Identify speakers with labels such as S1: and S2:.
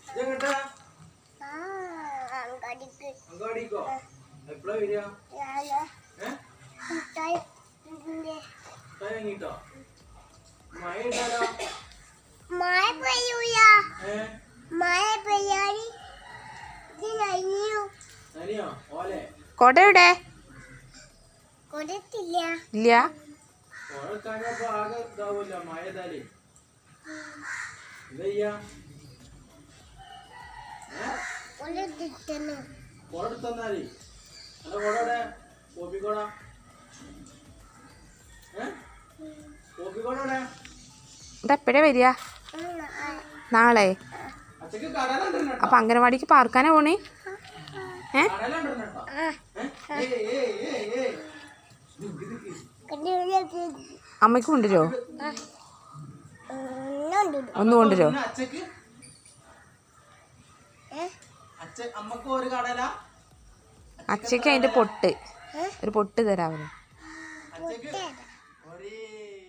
S1: അങ്ങാടിക്കോ എപ്പോഴാ വരിക വാങ്ങിട്ടോ മഴ ഉണ്ടാലോ
S2: മഴ പെയ്യൂല മഴ പെയ്യാടി
S3: കൊട എവിടെ
S2: കൊടുത്തില്ല
S3: ഇല്ല
S1: ആകെ ഇതാവൂല മഴ ഇതാലേ എന്താ കൊടെടുത്തന്നാലേ അല്ല കൊടവിടെ കോപ്പിക്കോട കോപ്പിക്കോടവിടെ
S3: ഇതെപ്പോഴാ വരിക നാളെ
S1: അച്ഛക്ക് കടലുണ്ട്
S3: അപ്പൊ അംഗനവാടിക്ക് പാർക്കാനാ പോണേ അമ്മയ്ക്ക് കൊണ്ടുവരോ ഒന്ന് കൊണ്ടുവരോ
S1: അച്ഛക്ക് അമ്മക്ക് ഒരു കടല
S3: അച്ഛക്ക് അതിന്റെ പൊട്ട് ഒരു പൊട്ട് തരാമല്ലോ
S1: അച്ഛക്ക്